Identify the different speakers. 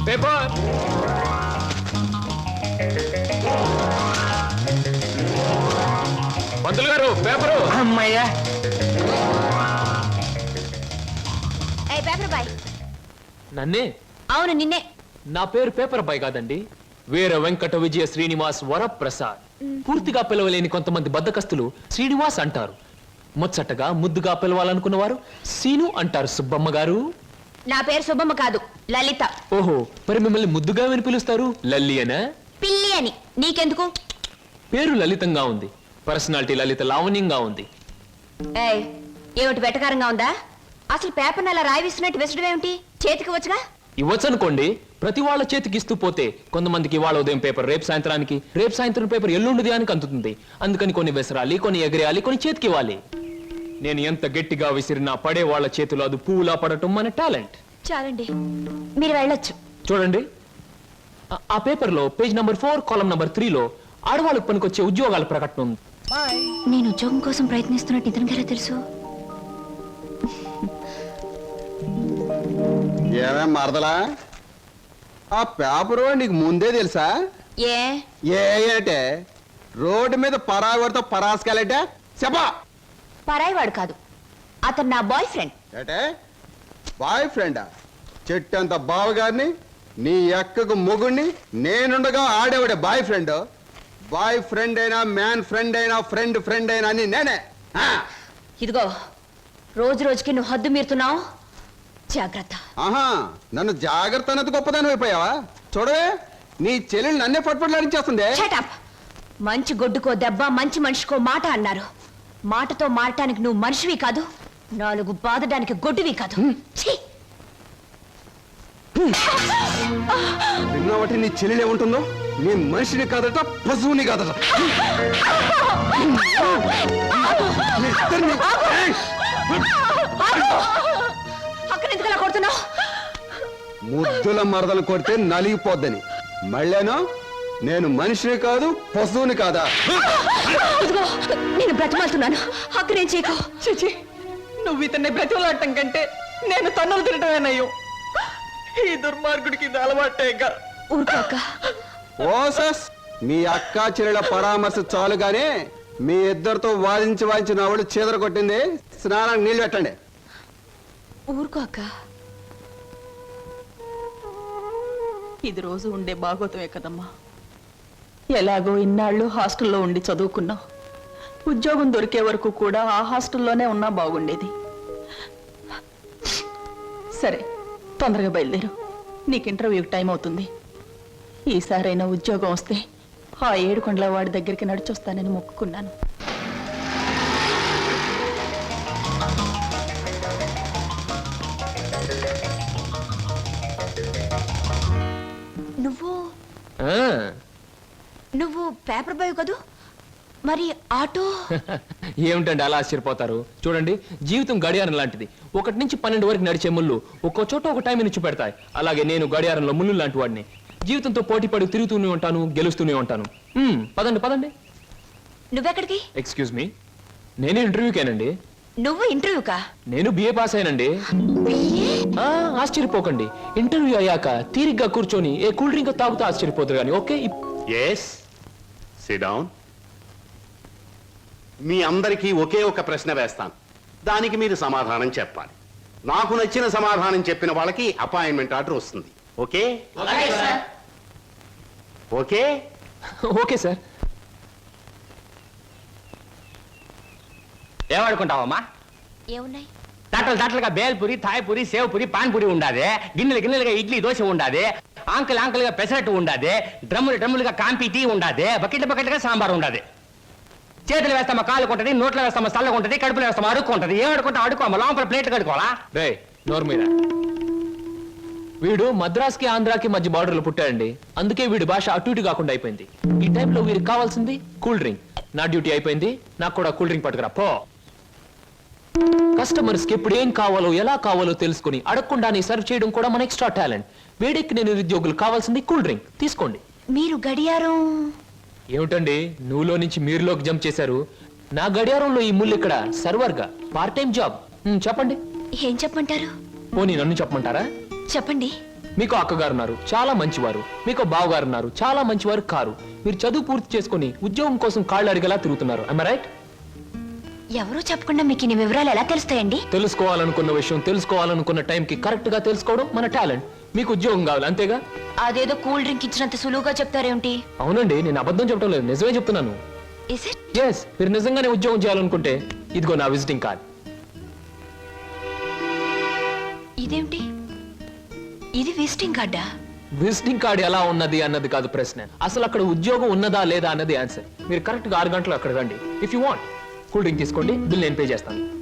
Speaker 1: Paper. పంతులు గారు paper.
Speaker 2: అమ్మయ్యా.
Speaker 3: Paper boy.
Speaker 1: నన్నే?
Speaker 3: అవును నిన్నే.
Speaker 1: నా పేరు పేపర్ బాయ్ కాదండి, వీర వెంకట విజయ శ్రీనివాస్ వరప్రసాద్. పూర్తిగా పిలవలేని కొంతమంది బద్దకస్తులు శ్రీనివాస్ అంటారు. ముచ్చటగా ముద్దుగా పిలవాలనుకున్న వారు సీను అంటారు. సుబ్బమ్మ గారు.
Speaker 3: నా పేరు సుబ్బమ్మ కాదు, లలిత.
Speaker 1: ఓహో, మరి మిమ్మల్ని ముద్దుగా విని పిలుస్తారు లల్లి అనా?
Speaker 3: పిల్లి అని. నీకెందుకు?
Speaker 1: పేరు లలితంగా ఉంది, పర్సనాలిటీ లలిత లావణ్యంగా ఉంది.
Speaker 3: ఏమిటి వెటకారంగా ఉందా? అసలు పేపర్ని అలా రాయిస్తున్నట్టు విసడం ఏమిటి? చేతికి వచ్చుగా.
Speaker 1: ఇవ్వచ్చనుకోండి, ప్రతి వాళ్ళ చేతికి ఇస్తూ పోతే కొంతమందికి ఇవాళ ఉదయం పేపర్ రేపు సాయంత్రానికి, రేపు సాయంత్రం పేపర్ ఎల్లుండిది అని అందుతుంది. అందుకని కొన్ని విసరాలి, కొన్ని ఎగరేయాలి, కొన్ని చేతికి ఇవ్వాలి. నేను ఎంత గట్టిగా విసిరినా పడే వాళ్ళ చేతిలో అది పువ్వులా పడటం మన టాలెంట్.
Speaker 3: చాలండి, మీరు వెళ్ళొచ్చు.
Speaker 1: చూడండి, ఆ పేపర్ లో పేజ్ నంబర్ 4 కాలం నంబర్ 3 లో ఆడవాళ్ళకు పనికొచ్చే ఉద్యోగాల ప్రకటన ఉంది.
Speaker 3: నేను ఉద్యోగం కోసం ప్రయత్నిస్తున్నట్టు ఇతనికి ఎలా తెలుసు?
Speaker 4: ఏమే మరదలా, ఆ పేపరు నీకు ముందే తెలుసా? ఏంటే రోడ్డు మీద పరాగడితో పరాసుకెళ్ళటే చెప్పా.
Speaker 3: పరాయివాడు కాదు, అతను నా బాయ్ ఫ్రెండ్.
Speaker 4: ఏటే బాయ్ ఫ్రెండా? చెట్టంత బావగారిని, నీ ఎక్కకు మొగుణ్ణి, నేనుండగా ఆడేవాడే బాయ్ ఫ్రెండ్. బాయ్ ఫ్రెండ్ అయినా, మ్యాన్ ఫ్రెండ్ అయినా, ఫ్రెండ్ ఫ్రెండ్ అయినా అని నేనే.
Speaker 3: ఇదిగో, రోజు రోజుకి నువ్వు హద్దు మీరుతున్నావు, జాగ్రత్త.
Speaker 4: ఆహా, నన్ను జాగ్రత్త అన్నది గొప్పదాని అయిపోయావా? చూడవే, నీ చెల్లెలు నన్నే పట్టుపట్లాడించేస్తుంది.
Speaker 3: మంచి గొడ్డుకో దెబ్బ, మంచి మనిషికో మాట అన్నారు. మాటతో మారటానికి నువ్వు మనిషివి కాదు, 4 బాదడానికి గొడ్డువి కాదు.
Speaker 4: విన్నావటి నీ చెల్లెలు ఏముంటుందో? నీ మనిషిని కాదట, పశువుని కాదట.
Speaker 3: అక్కడ ఎందుకలా కొడుతున్నావు?
Speaker 4: ముద్దుల మరదలు కొడితే నలిగిపోద్దని. మళ్ళేనో నేను మనిషిని కాదు, పశువుని కాదా?
Speaker 3: నేను బ్రతిమాలుతున్నాను, అక్కడేం చేయకు.
Speaker 2: చిచి, నువ్వు ఇతన్ని బ్రతిమలాడటం కంటే నేను తన్నులు తినటమేనయ్యో. ఈ దుర్మార్గుడికి ఇది అలవాటేగా.
Speaker 3: ఊరుకోక.
Speaker 4: ఓసస్, మీ అక్క చెల్లెల పరామర్శ చాలుగానే మీ ఇద్దరితో వాదించి నా వాళ్ళు చీదర కొట్టింది. స్నానానికి నీళ్ళు పెట్టండి.
Speaker 3: ఊరుకోక.
Speaker 2: ఇది రోజు ఉండే బాగోతమే కదమ్మా. ఎలాగో ఇన్నాళ్ళు హాస్టల్లో ఉండి చదువుకున్నావు. ఉద్యోగం దొరికే వరకు కూడా ఆ హాస్టల్లోనే ఉన్నా బాగుండేది. సరే, తొందరగా బయలుదేరు, నీకు ఇంటర్వ్యూకి టైం అవుతుంది. ఈసారైనా ఉద్యోగం వస్తే ఆ 7 కొండల వాడి దగ్గరికి నడిచొస్తానని మొక్కుకున్నాను.
Speaker 3: నువ్వు పేపర్ బాయ్ కదూ, మరి ఆటో?
Speaker 1: ఏమిటండి అలా ఆశ్చర్యపోతారు? చూడండి, జీవితం గడియారం లాంటిది. 1 నుంచి 12 వరకు నడిచే ముళ్ళు ఒక్కో చోట ఒక టైం నుంచి పెడతాయి. అలాగే నేను గడియారంలో ముళ్ళు లాంటి వాడిని. జీవితంతో పోటీ పడి తిరుగుతూనే ఉంటాను, గెలుస్తూనే ఉంటాను. పదండి పదండి.
Speaker 3: నువ్వెక్కడికి?
Speaker 1: ఎక్స్క్యూజ్ మీ, నేను ఇంటర్వ్యూకేనండి.
Speaker 3: నువ్వు ఇంటర్వ్యూకా?
Speaker 1: నేను బిఏ పాస్ అయినండి. ఆశ్చర్యపోకండి, ఇంటర్వ్యూ అయ్యాక తీరిగ్గా కూర్చొని ఏ కూల్ డ్రింక్ తాగుతూ ఆశ్చర్యపోతారు కానీ. Okay,
Speaker 5: SIT down. మీ అందరికీ ఒకే ఒక ప్రశ్న వేస్తాను, దానికి మీరు సమాధానం చెప్పాలి. నాకు నచ్చిన సమాధానం చెప్పిన వాళ్ళకి అపాయింట్మెంట్ ఆర్డర్ వస్తుంది. ఓకే? Okay
Speaker 1: okay sir.
Speaker 6: ఏమనుకుంటావమ్మా?
Speaker 3: ఏమున్నాయి?
Speaker 6: తట్టలుగా బేల్పూరి, థాయ్పూరి, సేవ్పూరి, పాన్పూరి ఉండాది. గిన్నెలుగా ఇడ్లీ దోశ ఉండాది. ఆంకలుగా పెసరట్టు ఉండాది. డ్రమ్ములుగా కాంపి టీ ఉండాది. బకెట్లుగా సాంబార్ ఉండాది. చేతులు వేస్తామా కాలు కొంటది, నోట్లో వేస్తామా చల్లగా ఉంటది, కడుపులో వేస్తామా అడుక్కుంటది. ఏమడుకుంటా అడుకోమా, లోపల ప్లేట్ కడుకోవాలా?
Speaker 1: రే నోరు మీద. వీడు మద్రాస్కి ఆంధ్రాకి మధ్య బార్డర్లో పుట్టాడండి. అందుకే వీడి భాష అటు ఇటు కాకుండా అయిపోయింది. ఈ టైంలో వీరికి కావాల్సింది కూల్ డ్రింక్. నా డ్యూటీ అయిపోయింది, నాకు కూడా కూల్ డ్రింక్ పట్టుకురా పో. కస్టమర్స్ కి ఎప్పుడు ఏం కావాలో ఎలా కావాలో తెలుసుకుని అడగకుండానే సర్వ్ చేయడం కూడా మన ఎక్స్ట్రా టాలెంట్. వేడెక్కి నేను నిరుద్యోగులు కావాల్సింది కూల్ డ్రింక్. తీసుకోండి.
Speaker 3: మీరు గడియారం?
Speaker 1: ఏమిటండి నువ్వులో నుంచి మీరులోకి జంప్ చేశారు? నా గడియారంలో ఈ ముళ్ళు ఇక్కడ సర్వర్ గా పార్ట్ టైం జాబ్. చెప్పండి.
Speaker 3: ఏం చెప్పమంటారు?
Speaker 1: పోనీ నన్ను చెప్పమంటారా?
Speaker 3: చెప్పండి.
Speaker 1: మీకు అక్కగారు ఉన్నారు, చాలా మంచివారు. మీకు బావగారు ఉన్నారు, చాలా మంచివారు కారు. మీరు చదువు పూర్తి చేసుకుని ఉద్యోగం కోసం కాళ్ళు అడిగేలా తిరుగుతున్నారు. I right?
Speaker 3: ఎవరూ చెప్పకుండా మీకు ఇన్ని వివరాలు ఎలా తెలుస్తాయండి?
Speaker 1: తెలుసుకోవాలనుకున్న విషయం తెలుసుకోవాలనుకున్న టైంకి కరెక్ట్ గా తెలుసుకోవడం మన టాలెంట్. మీకు ఉద్యోగం కావాలి అంతేగా?
Speaker 3: అదేదో కూల్ డ్రింక్ ఇచ్చినంత సులువుగా చెప్తారేమిటి?
Speaker 1: అవునండి, నేను అబద్ధం చెప్పడం లేదు, నిజమే చెప్తున్నాను.
Speaker 3: Is it?
Speaker 1: ఎస్, మీరు నిజంగానే ఉద్యోగం చేయాలనుకుంటే ఇదిగో నా విజిటింగ్ కార్డ్.
Speaker 3: ఇదేమిటి? ఇది విజిటింగ్ కార్డా?
Speaker 1: విజిటింగ్ కార్డ్ ఎలా ఉన్నది అన్నది కాదు ప్రశ్న, అసలు అక్కడ ఉద్యోగం ఉన్నదా లేదా అన్నది ఆన్సర్. మీరు కరెక్ట్ గా 6 గంటలు అక్కడ రండి. If you want cool drink తీసుకోండి, బిల్ నేను పే చేస్తాను.